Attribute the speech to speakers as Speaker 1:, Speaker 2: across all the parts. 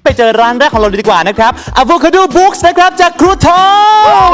Speaker 1: ไปเจอร้านแรกของเราเลยดีกว่านะครับ Avocado Books นะครับจากครูทอม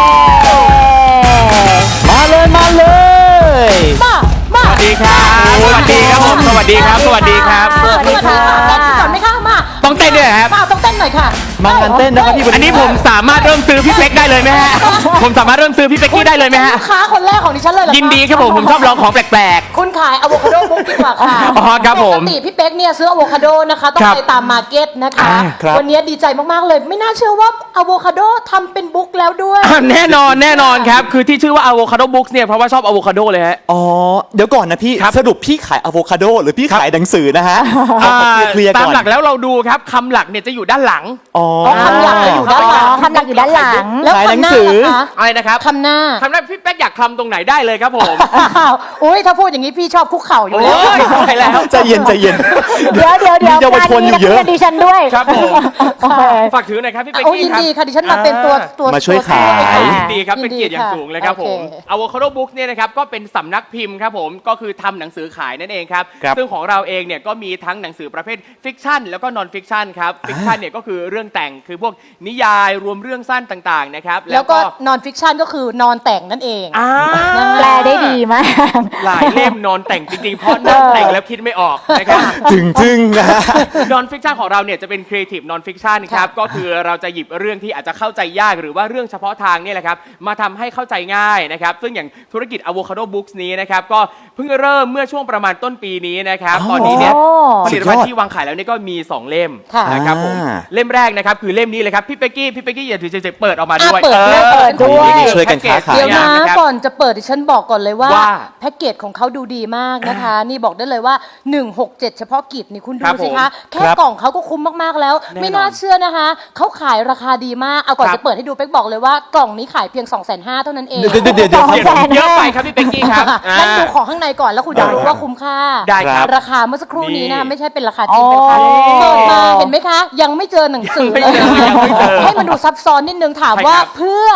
Speaker 1: มาเลย
Speaker 2: สวัสดีครับสวัสดีครับผมสวัสดีครับสวัสดีครับ
Speaker 3: สวัสดีค่ะก่อนไหมคะมา
Speaker 2: ต้องเต้นด้วยครับ
Speaker 3: ต้องเต้นหน่อยค่ะ
Speaker 1: มางานเต้นนะครับพี่
Speaker 2: อันนี้ผมสามารถเริ่มซื้อพี่เป๊กได้เลยไหมฮะผมสามารถเริ่มซื้อพี่เป๊กกี้ได้เลยไหมฮะ
Speaker 3: ลูกค้าคนแรกของดิฉันเลยเหรอคะ
Speaker 2: ยินดีครับผมชอบลองของแปลก
Speaker 3: คุณขายอะโวคาโดบุ๊กดีกว่าค่ะ
Speaker 2: อ๋อครับผม
Speaker 3: ปกติพี่เป๊กเนี่ยซื้ออะโวคาโดนะคะต้อง
Speaker 2: ครับ
Speaker 3: ไปตามมาร์เก็ตนะคะ
Speaker 1: ครับ
Speaker 3: วันนี้ดีใจมากๆเลย ไม่น่าเชื่อว่าอะโวคาโดทำเป็นบุ๊กแล้วด้วย
Speaker 2: ๆแน่นอนครับคือที่ชื่อว่า Avocado Books เนี่ยเพราะว่าชอบอะโวคาโดเลยฮะ
Speaker 1: อ๋อเดี๋ยวก่อนนะพี่
Speaker 2: ครับ
Speaker 1: สรุปพี่ขายอะโวคาโดหรือพี่ขายหนังสือนะฮะเคลียร์
Speaker 2: ตา
Speaker 1: ก่
Speaker 2: ม
Speaker 1: อน
Speaker 2: หลักแล้วเราดูครับคำหลักเนี่ยจะอยู่ด้านหลัง
Speaker 1: อ๋อ
Speaker 3: คำหลักจะอยู่ด้านหลัง
Speaker 4: คำหลักอยู่ด้านหลัง
Speaker 3: แล้ว
Speaker 1: ขายหนั
Speaker 3: คำ
Speaker 1: ง
Speaker 3: หน้า
Speaker 1: สือ
Speaker 3: ล่ะคะ
Speaker 2: อะไรนะครับ
Speaker 3: คำหน้า
Speaker 2: คำนั้นพี่เป๊กอยากคลำตรงไหนได้เลยครับผม
Speaker 3: อุ้ยถ้าพูดอย่างนี้พี่ชอบคุกเข่าอยู่
Speaker 2: โอ้
Speaker 3: แล้ว
Speaker 2: ยตายแล้ว
Speaker 1: ใจเย็น
Speaker 4: เดี๋ยว
Speaker 1: มีเยาวชนอยู่เยอะ
Speaker 4: งานนี้นักรีดิฉันด้วย
Speaker 2: ครับผม
Speaker 4: โอเค
Speaker 2: ฝากถือหน่อยครับพี่เป๊ก
Speaker 3: โอ้ย
Speaker 2: กี้
Speaker 3: ยิน
Speaker 2: ครับ
Speaker 3: ดีค่ะดิฉันมาเป็นตัว
Speaker 1: มาช่วยขาย
Speaker 2: ยินดีครับเป็นเกียรติอย่างสูงเลยครับผม
Speaker 3: โอเค
Speaker 2: Avocado Books เนี่ยนะครับก็เป็นสำนักพิมพ์ครับผมก็คือทำหนังสือขายนั่นเองครับ
Speaker 1: ครับ
Speaker 2: ซึ่งของเราเองเนี่ยก็มีทั้งหนังสือประเภทฟิกชันแล้วก็นอนฟิกชันครับฟิกชันเนี่ยก็คือเรื่องแต่งคือพวกนิยายรวมเรื่องสั้นต่างๆนะครับ
Speaker 3: แล้วก็นอนฟิกชันก็คือนอนแต่งนั่นเอง
Speaker 2: อ่า
Speaker 4: แปลได้ดีมาก
Speaker 2: หลายเล่มนอนแต่งจริงๆเพราะนั่งแต่งแล้วคิดไม่ออกนะครับ
Speaker 1: จึงนะฮะ
Speaker 2: นอนฟิกชันของเราเนี่ยจะเป็นครีเอทีฟนอนฟิกชันครับก็คือเราจะหยิบเรื่องที่อาจจะเข้าใจยากหรือว่าเรื่องเฉพาะทางเนี่ยแหละครับมาทำให้เข้าใจง่ายนะครับซึ่งอย่างธุรกิจ Avocado Books นี้นะครับก็เพิ่งเริ่มเมื่อช่วงประมาณต้นปีนี้นะครับ
Speaker 1: อ๋อ
Speaker 2: ตอนนี้เนี่ย
Speaker 4: โอ้
Speaker 2: ผลิตภัณฑ์ที่วางขายแล้วเนี่ยก็มี 2 เล่ม
Speaker 3: ค่ะ
Speaker 2: นะครับผม
Speaker 1: อ่า
Speaker 2: เล่มแรกนะครับคือเล่มนี้เลยครับพี่เป๊กกี้อย่าถือเฉยๆเปิดออกมาด้วย
Speaker 3: เปิดด้วย
Speaker 1: ช่วยกันค้าขาย
Speaker 3: เดี๋ยวนะ
Speaker 2: แพ็กเกจ
Speaker 3: ก่อนจะเปิดดิฉันบอกก่อนเลยว่า
Speaker 2: ว่า
Speaker 3: แพ็กเกจของเขาดูดีมากนะคะ นี่บอกได้เลยว่า 167 เฉพาะกิจนี่คุณดู
Speaker 2: ครับ
Speaker 3: สิคะ แค่
Speaker 1: ครับ
Speaker 3: กล่องเขาก็คุ้มมากๆแล้ว
Speaker 2: แน่นอน
Speaker 3: ไม่น่าเชื่อนะคะเขาขายราคาดีมากเอาก่อน
Speaker 2: ครับ
Speaker 3: จะเปิดให้ดูเป๊กบอกเลยว่ากล่องนี้ขายเพียง 250,000เท่านั้นเอง
Speaker 1: เดี๋ยว
Speaker 4: สองแสน
Speaker 2: เยอะไปครับพี่เป๊กกี้ครับ
Speaker 3: นั่นดูของข้างในก่อนแล้วคุณจะรู้ว่าคุ้มค่า
Speaker 2: ได้ครับ
Speaker 3: ราคาเมื่อสักครู่นี้นะคะ
Speaker 2: นี่
Speaker 3: ไม่ใช่เป็นราคาจริงเป็นราคา
Speaker 4: อ๋อ
Speaker 3: เปิดมาเห็นไหมคะ ยังไม่เจอหนังสือเลย
Speaker 2: ยังไม่เจอ
Speaker 3: ให้มันดูซับซ้อนนิดนึงถามว่า
Speaker 2: ใช่ครับ
Speaker 3: เพื่อ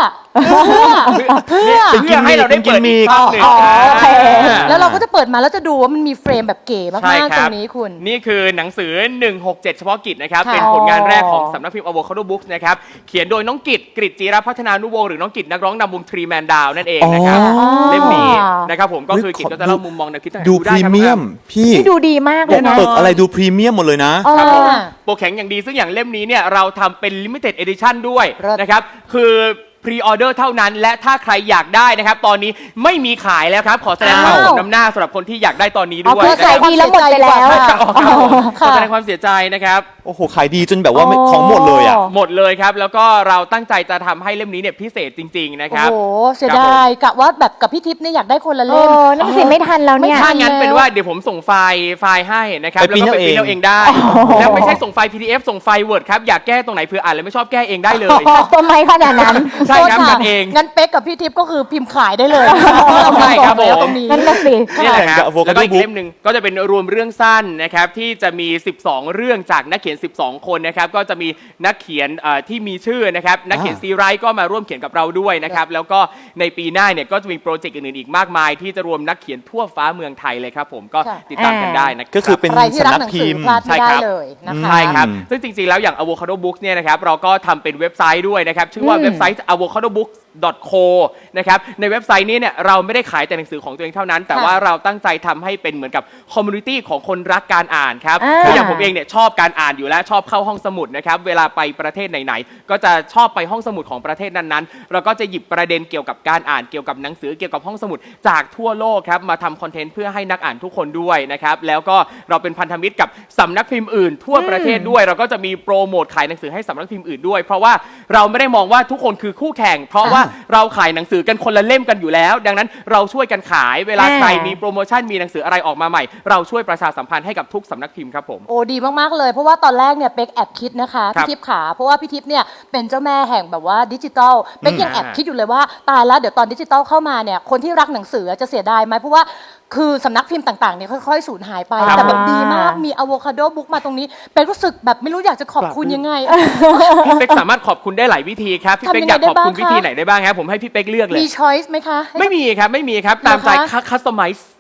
Speaker 2: เป็นกิมมิคให้เราได้เปิดอีกรอบหนึ่ง
Speaker 4: อ๋อโอเค
Speaker 3: แล้วเราก็จะเปิดมาแล้วจะดูว่ามันมีเฟรมแบบเก๋
Speaker 2: ใช่
Speaker 3: มาก
Speaker 2: ค
Speaker 3: ๆ ตร
Speaker 2: รับ
Speaker 3: งนี้คุณ
Speaker 2: นี่คือหนังสือ 167 เฉพาะกิจนะครับ
Speaker 3: ค่ะ
Speaker 2: เป็นผลงานแรกของสำนักพิมพ์ Avocado Books นะครับ เขียนโดยน้องกิตกฤษจีรพัฒนานุวงศ์หรือน้องกิตนักร้องนำวงทรีแมนดาวนั่นเองนะครับ
Speaker 1: อ๋อ
Speaker 2: เล่มนี้นะครับผมก็คือกิตก็จะเล่ามุมมองแนวคิดต่างๆ
Speaker 1: ดูพ
Speaker 2: ไค
Speaker 1: รี
Speaker 2: บ
Speaker 1: เมียมพี่
Speaker 4: นี่ดูดีมากเลยนะ
Speaker 1: ปกอะไรดูพรีเมียมหมดเลยนะ
Speaker 4: เออ
Speaker 2: ครับผมโปรแข็งอย่างดีซึ่งอย่างเล่มนี้เนี่ยเราทำเป็น limited edition ด้วย
Speaker 3: เลิศ
Speaker 2: นะครับ คือพรีออเดอร์เท่านั้น และถ้าใครอยากได้นะครับ ตอนนี้ไม่มีขายแล้วครับ ขอแสดงความสมน้ำหน้าสำหรับคนที่อยากได้ตอนนี้ด้วย
Speaker 4: อ๋อคือ
Speaker 2: นะค
Speaker 4: ขาย
Speaker 2: รับ
Speaker 4: ดีแล้วหมดไปแล้ว
Speaker 2: ขอแสดงความเสียใจนะครับ
Speaker 1: โอ้โห ขายดีจนแบบว่าของหมดเลยอ่ะ
Speaker 2: หมดเลยครับ แล้วก็เราตั้งใจจะทำให้เล่มนี้เนี่ยพิเศษจริง ๆ นะค
Speaker 3: โอ้
Speaker 2: รับ
Speaker 3: โห เสียดายกะว่าแบบกับพี่ทิพย์เนี่ยอยากได้คนละ
Speaker 4: เอ
Speaker 3: เล่ม
Speaker 4: อนั่นสิไม่ทันแล้วเนี่ย
Speaker 3: ไม่ทั
Speaker 2: ถ้างั้นเป็นว่าเดี๋ยวผมส่งไฟล์ให้นะครับ
Speaker 1: ไป
Speaker 2: แล้วก็ไป
Speaker 1: พิ
Speaker 2: พิ
Speaker 1: มพ์
Speaker 2: มพ์
Speaker 1: เอา
Speaker 2: เอา
Speaker 1: เอ
Speaker 2: เอง งได้ แล้วไม่ใช่ส่งไฟล์ PDF ส่งไฟล์ Word ครับ อยากแก้ตรงไหนเผื่ออ่านแล้วไม่ชอบแก้เองได้เลย
Speaker 4: ทำไมขนาดนั้น
Speaker 2: ใช่ครับ
Speaker 3: โทษะ
Speaker 2: กันเอง
Speaker 3: งั้นเป๊กกับพี่ทิพย์ก็คือพิมพ์ขายได้เลย
Speaker 2: ใช่ครับผม
Speaker 3: ตรงนี้
Speaker 4: นั่นน่ะสิ
Speaker 2: นี่แหละครับ
Speaker 1: แข่งกับ Avocado
Speaker 2: แล้วก็อีก
Speaker 1: Book
Speaker 2: เล่มหนึ่งก็จะเป็นรวมเรื่องสั้นนะครับที่จะมี 12 เรื่องจากนักเขียน 12 คนนะครับก็จะมีนักเขียนที่มีชื่อนะครับนักเขียนซีไรต์ก็มาร่วมเขียนกับเราด้วยนะครับแล้วก็ในปีหน้าเนี่ยก็จะมีโปรเจกต์อื่นๆอีกมากมาย ที่จะรวมนักเขียนทั่วฟ้าเมืองไทยเลยครับผมก็
Speaker 3: ค่ะ
Speaker 2: ติดตามกันได้นะครับ
Speaker 1: ก็คือเป็น
Speaker 3: ใครที่รัก
Speaker 1: สำนัก
Speaker 3: หนัง
Speaker 1: พิ
Speaker 3: สือ
Speaker 1: มพ์
Speaker 3: พลาดไม่ได้เลยนะคะ
Speaker 2: ใช่ครับ
Speaker 1: อืม
Speaker 2: ซึ่งจริงๆ แล้วอย่าง Avocado Books เนี่ยนะครับเราก็ทำเป็นเว็บไซต์ด้วยนะครับ ชื่อว่าเว็บไซต์ avocadobooks.co นะครับในเว็บไซต์นี้เนี่ยเราไม่ได้ขายแต่หนังสือของตัวเองเท่านั้น แต่ว่าเราตั้งใจทำให้เป็นเหมือนกับคอมมูนิตี้ของคนรักการอ่านครับ
Speaker 4: อ่า
Speaker 2: คืออย่างผมเองเนี่ยชอบการอ่านอยู่แล้วชอบเข้าห้องสมุดนะครับเวลาไปประเทศไหนๆก็จะชอบไปห้องสมุดของประเทศนั้นๆเราก็จะหยิบประเด็นเกี่ยวกับการอ่านเกี่ยวกับหนังสือเกี่ยวกับห้องสมุดจากทั่วโลกครับมาทำคอนเทนต์เพื่อให้นักอ่านทุกคนด้วยนะครับแล้วก็เราเป็นพันธมิตรกับสำนักพิมพ์อื่นทั่วประเทศด้วย เราก็จะมีโปรโมทขายหนังสือให้สำนักพิมพ์อื่นด้วย เพราะว่าเราไม่ได้มองว่าทุกคนคือคู่แข่ง เพราะว่าเราขายหนังสือกันคนละเล่มกันอยู่แล้ว ดังนั้นเราช่วยกันขายเวลาใครมีโปรโมชั่นมีหนังสืออะไรออกมาใหม่ เราช่วยประชาสัมพันธ์ให้กับทุกสำนักพิมพ์ครับผม
Speaker 3: โอ้ดีมากๆเลยเพราะว่าตอนแรกเนี่ยเป๊กแอบคิดนะคะ
Speaker 2: ครับ
Speaker 3: พี่ทิพย์ขาเพราะว่าพี่ทิพย์เนี่ยเป็นเจ้าแม่แห่งแบบว่าดิจิตอลเป๊กยังแอบคิดอยู่เลยว่าตายแล้วเดี๋ยวตอนดิจิตอลเข้ามาเนี่ยคนที่รักหนังสือจะเสียดายไหมเพราะว่าคือสำนักพิมพ์ต่างๆเนี่ยค่อยๆสูญหายไป
Speaker 2: ครับ
Speaker 3: แต่แบบดีมากมีอะโวคาโดบุ๊กมาตรงนี้เป๊กรู้สึกแบบไม่รู้อยากจะขอบคุณยังไง
Speaker 2: พี่เป๊กสามารถขอบคุณได้หลายวิธีครับพี่เป๊ก
Speaker 3: ทำยังไง
Speaker 2: อยากขอบคุณ
Speaker 3: ได้บ้างคะ
Speaker 2: วิธีไหนได้บ้างครับผมให้พี่เป๊กเลือกเลย
Speaker 3: มีช้อยส์ไหมคะ
Speaker 2: ไม่มีครับไม่มีครับตามใจ
Speaker 3: เหรอคะ
Speaker 2: คัสตอมไมซ์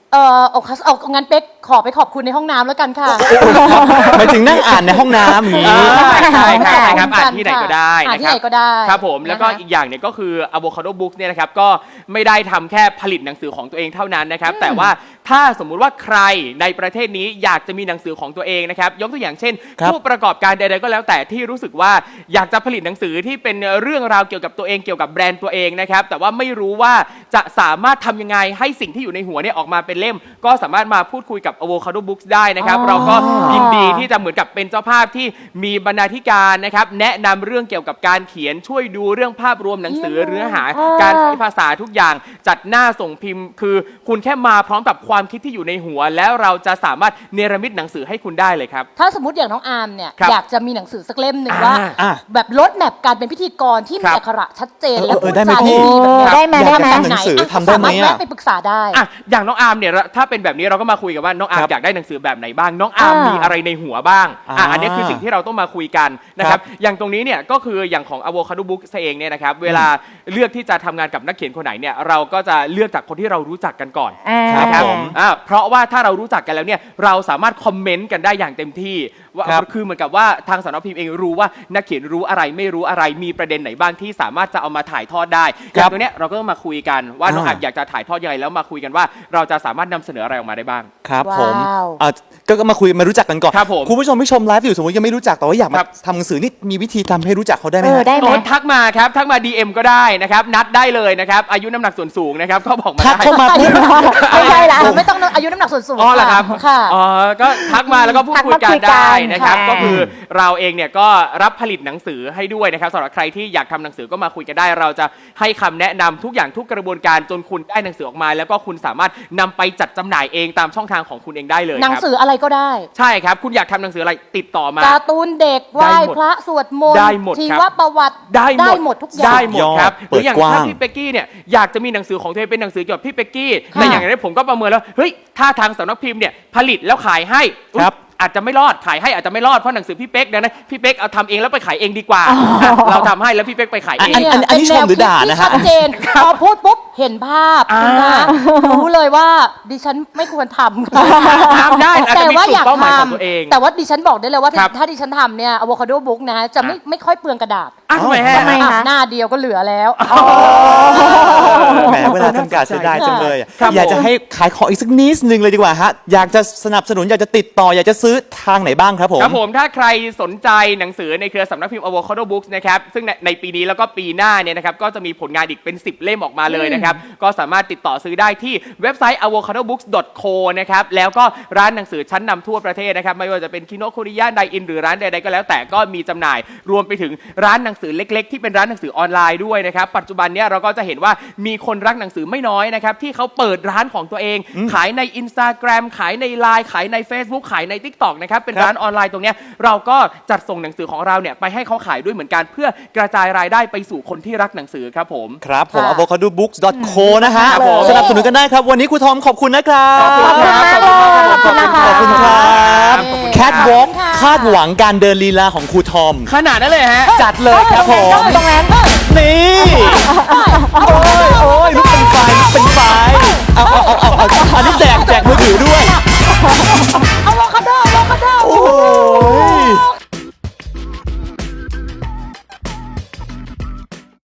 Speaker 3: เอางั้นเป๊กขอไปขอบคุณในห้องน้ำแล้วกันค่ะ
Speaker 1: หมายถึงนั่งอ่านในห้องน้ำอย่างนี้
Speaker 2: ใช่ครับอ่านที่ไหนก็ได้
Speaker 3: อ่าน
Speaker 2: นะ
Speaker 3: ที่
Speaker 2: ครั
Speaker 3: ไหนก็ได้
Speaker 2: ครับผมแล้วก็
Speaker 3: นะคะ
Speaker 2: อีกอย่างเนี่ยก็คือ Avocado Books เนี่ยนะครับก็ไม่ได้ทำแค่ผลิตหนังสือของตัวเองเท่านั้นนะครับแต่ว่าถ้าสมมุติว่าใครในประเทศนี้อยากจะมีหนังสือของตัวเองนะครับยกตัวอย่างเช่น
Speaker 1: ครับ
Speaker 2: ผู้ประกอบการใดๆก็แล้วแต่ที่รู้สึกว่าอยากจะผลิตหนังสือที่เป็นเรื่องราวเกี่ยวกับตัวเองเกี่ยวกับแบรนด์ตัวเองนะครับแต่ว่าไม่รู้ว่าจะสามารถทำยังไงให้สิ่งที่อยู่ในหัวเนี่ยออกมาเป็นเล่ม ก็สามารถมาพูดคุยกับ Avocado Books ได้นะครับ เราก็ยินดีที่จะเหมือนกับเป็นเจ้าภาพที่มีบรรณาธิการนะครับแนะนำเรื่องเกี่ยวกับการเขียนช่วยดูเรื่องภาพรวมหนังสือเนื้อหาการใช้ภาษาทุกอย่างจัดหน้าส่งพิมพ์ คือคุณแค่มาพร้อมกับความคิดที่อยู่ในหัว แล้วเราจะสามารถเนรมิตหนังสือให้คุณได้เลยครับ
Speaker 3: ถ้าสมมติอย่างน้องอาร์มเนี่ย
Speaker 2: ครับ
Speaker 3: อยากจะมีหนังสือสักเล่มหนึ่งว่า
Speaker 1: อ่า
Speaker 3: แบบลดแมปการเป็นพิธีกรที่
Speaker 2: ครั
Speaker 3: มี
Speaker 2: บ
Speaker 3: อักขระชัดเจนและ
Speaker 1: เอ
Speaker 3: พู
Speaker 1: อ
Speaker 3: ด
Speaker 1: ได้ไหม
Speaker 3: จา
Speaker 1: พี่
Speaker 3: ดีแบบเนี้ย
Speaker 4: ได้ไหม
Speaker 1: อยากจะ
Speaker 4: ได้ไหม
Speaker 1: ทำหนังสือทำได้ไหม
Speaker 3: สามารถ
Speaker 1: อะ
Speaker 3: แวะไปปรึกษาได้
Speaker 2: อ่ะอย่างน้องอาร์มเนี่ยถ้าเป็นแบบนี้เราก็มาคุยกันว่าน้องอาร์ม
Speaker 1: ครับ
Speaker 2: อยากได้หนังสือแบบไหนบ้างน้องอาร์มมีอะไรในหัวบ้างอันนี้คือสิ่งที่เราต้องมาคุยกันนะครับอย่างตรงนี้เนี่ยก็คืออย่างของ Avocado Books เองเนี่ยนะครับเวลาเลือกที่จะทำงานกับนักเขียนคนไหนเนี่ยเราก็จะเลือกจากคนที่เรารู้จักกันก่อน
Speaker 1: ครับ
Speaker 2: นะครับ
Speaker 1: ผม
Speaker 2: เพราะว่าถ้าเรารู้จักกันแล้วเนี่ยเราสามารถคอมเมนต์กันได้อย่างเต็มที่ว่า
Speaker 1: ครับ
Speaker 2: คือเหมือนกับว่าทางสำนักพิมพ์เองรู้ว่านักเขียนรู้อะไรไม่รู้อะไรมีประเด็นไหนบ้างที่สามารถจะเอามาถ่ายทอดได้อย่างตรงเนี้ยเราก็ต้องมาคุยกันว่าน้องอาร์มอยากจะถ่ายทอดยังไงแล้วมาคุยกันว่าเราจะสามารถนำเสนออะไรออกมาได้บ้าง
Speaker 1: ครับผม
Speaker 3: ว้าว
Speaker 1: ก็มาคุยมารู้จักกันก่อน
Speaker 2: ครับผม
Speaker 1: คุณผู้ชมที่ชมไลฟ์อยู่สมมติยังไม่รู้จักแต่ว่าอยากมา
Speaker 2: ครับ
Speaker 1: ทำหนังสือนี่มีวิธีทำให้รู้จักเขาได้ไหม
Speaker 4: เออ
Speaker 1: ฮะ
Speaker 4: ได้ไหม
Speaker 2: โอ้ทักมาครับทักมา DM ก็ได้นะครับนัดได้เลยนะครับอายุน้ำหนักส่วนสูงนะครับก็บอกมา
Speaker 1: ทัก
Speaker 2: ได้
Speaker 1: เข้ามาปุ๊บ
Speaker 4: ไม่ใช่ละ
Speaker 3: ไม่ต้องอายุน้ำหนักส่วนสูง
Speaker 2: อ๋อเหรอครับ
Speaker 3: ค่ะ
Speaker 2: อ๋อก็ทักมาแล้วก็พูด
Speaker 4: ทัก
Speaker 2: คุย
Speaker 4: มา
Speaker 2: กัน
Speaker 4: คุยกัน
Speaker 2: ได้นะครับ
Speaker 4: ค่ะ
Speaker 2: ก็คือเราเองเนี่ยก็รับผลิตหนังสือให้ด้วยนะครับสำหรับใครที่อยากทำหนังสือก็มาคุยกันได้ เราจะให้คำแนะนำทุกอย่างทุกกระบวนการจนคุณได้หนังสือออกมา แล้วก็คุณสามารถนำไปจัดจำหน่ายเองตามช่องทางของคุณเองได้เลย
Speaker 3: หนัง
Speaker 2: ครับ
Speaker 3: สืออะไรก็ได้
Speaker 2: ใช่ครับคุณอยากทำหนังสืออะไรติดต่อมา
Speaker 3: การ์ตูนเด็กไหว้
Speaker 2: ได้หมด
Speaker 3: พระสวดมนต์
Speaker 2: ได้หมด
Speaker 3: ชี
Speaker 2: ครับ
Speaker 3: วประวัติ
Speaker 2: ได้หมด
Speaker 3: ทุกอย่าง
Speaker 2: ได้หมดครับห
Speaker 1: เปิ
Speaker 2: รื
Speaker 1: ด
Speaker 2: ออย่าง
Speaker 1: กว้าง
Speaker 2: ถ้าพี่เป๊กกี้เนี่ยอยากจะมีหนังสือของตัวเองเป็นหนังสือเกี่ยวกับพี่เป๊กกี้
Speaker 3: ค่ะ
Speaker 2: แต่อย่างนี้ผมก็ประเมินแล้วเฮ้ยถ้าทางสำนักพิมพ์เนี่ยผลิตแล้วขายให้อุ๊ย
Speaker 1: ครับ
Speaker 2: อาจจะไม่รอดขายให้อาจจะไม่รอดเพราะหนังสือพี่เป๊กดังนั้นพี่เป๊กเอาทำเองแล้วไปขายเองดีกว่าเราทำให้แล้วพี่เป๊กไปขายเอง
Speaker 1: อันนี้ชมหรือด่านะฮะ
Speaker 3: เป็แวคิดที่ชัดเจนพอพูดปุ๊บเห็นภาพนะรู้เลยว่าดิฉันไม่ควรทำ
Speaker 2: ทำได้อาจ
Speaker 3: แต่
Speaker 2: จะมี
Speaker 3: ว่า
Speaker 2: จุ
Speaker 3: อ
Speaker 2: ด
Speaker 3: ยาก
Speaker 2: เป้าห
Speaker 3: ท
Speaker 2: มายของตัวเอง
Speaker 3: ำแต่ว่าดิฉันบอกได้เลยว่า
Speaker 2: ครับ
Speaker 3: ถ้าดิฉันทำเนี่ย Avocado Book นะจะไม่ค่อยเปลืองกระดาษ
Speaker 2: ทำไมฮะ
Speaker 4: ทำไม คะ
Speaker 3: หน้าเดียวก็เหลือแล้ว
Speaker 1: แหมเวลาจำกัดเสียดายจังเลยอะ
Speaker 2: ครับ
Speaker 1: อยากจะ
Speaker 2: ผม
Speaker 1: ให้ขายของอีกสักนิดนึงเลยดีกว่าฮะอยากจะสนับสนุนอยากจะติดต่ออยากจะซื้อทางไหนบ้างครับผม
Speaker 2: ครับผมถ้าใครสนใจหนังสือในเครือสำนักพิมพ์ Avocado Books นะครับซึ่งในปีนี้แล้วก็ปีหน้าเนี่ยนะครับก็จะมีผลงานอีกเป็น 10 เล่มออกมาเลยนะครับก็สามารถติดต่อซื้อได้ที่เว็บไซต์ avocadobooks.co นะครับแล้วก็ร้านหนังสือชั้นนำทั่วประเทศนะครับไม่ว่าจะเป็นคิโนคุริยะไดอินหรือร้านใดๆก็แล้วแต่ก็มีจำหน่ายรวมไปถึงร้านหนังสือเล็กๆ ที่เป็นร้านหนังสือออนไลน์ด้วยนะครับปัจจุบันเนี่ยเราก็จะเห็นว่ามีคนรักหนังสือไม่น้อยนะครับที่เขาเปิดร้านของตัวเอง ขายใน Instagram ขายใน Line ขายใน Facebook ขายใน TikTok นะครับเป็นร้านออนไลน์ตรงเนี้ยเราก็จัดส่งหนังสือของเราเนี่ยไปให้เขาขายด้วยเหมือนกันเพื่อกระจายรายได้ไปสู่คนที่รักหนังสือครับผม
Speaker 1: ครับผม
Speaker 3: ค่ะ
Speaker 1: avocadobooks.co นะฮะ
Speaker 2: ครับผม
Speaker 1: สนับสนุนกันได้ครับ วันนี้ครูทอมขอบคุณนะครับ
Speaker 2: ขอบคุณครับ
Speaker 4: ขอบคุณมากเลย
Speaker 1: ขอบคุณครับ
Speaker 2: ขอบคุณครับ
Speaker 1: แคทวอล์ก
Speaker 3: ค่ะ
Speaker 1: คาดหวังการเดินลีลาของครูทอม
Speaker 2: ขนาดนั้นเลยฮะ
Speaker 1: จัดเลยครับผม
Speaker 4: ตรงนั้น
Speaker 1: นี่
Speaker 3: เอา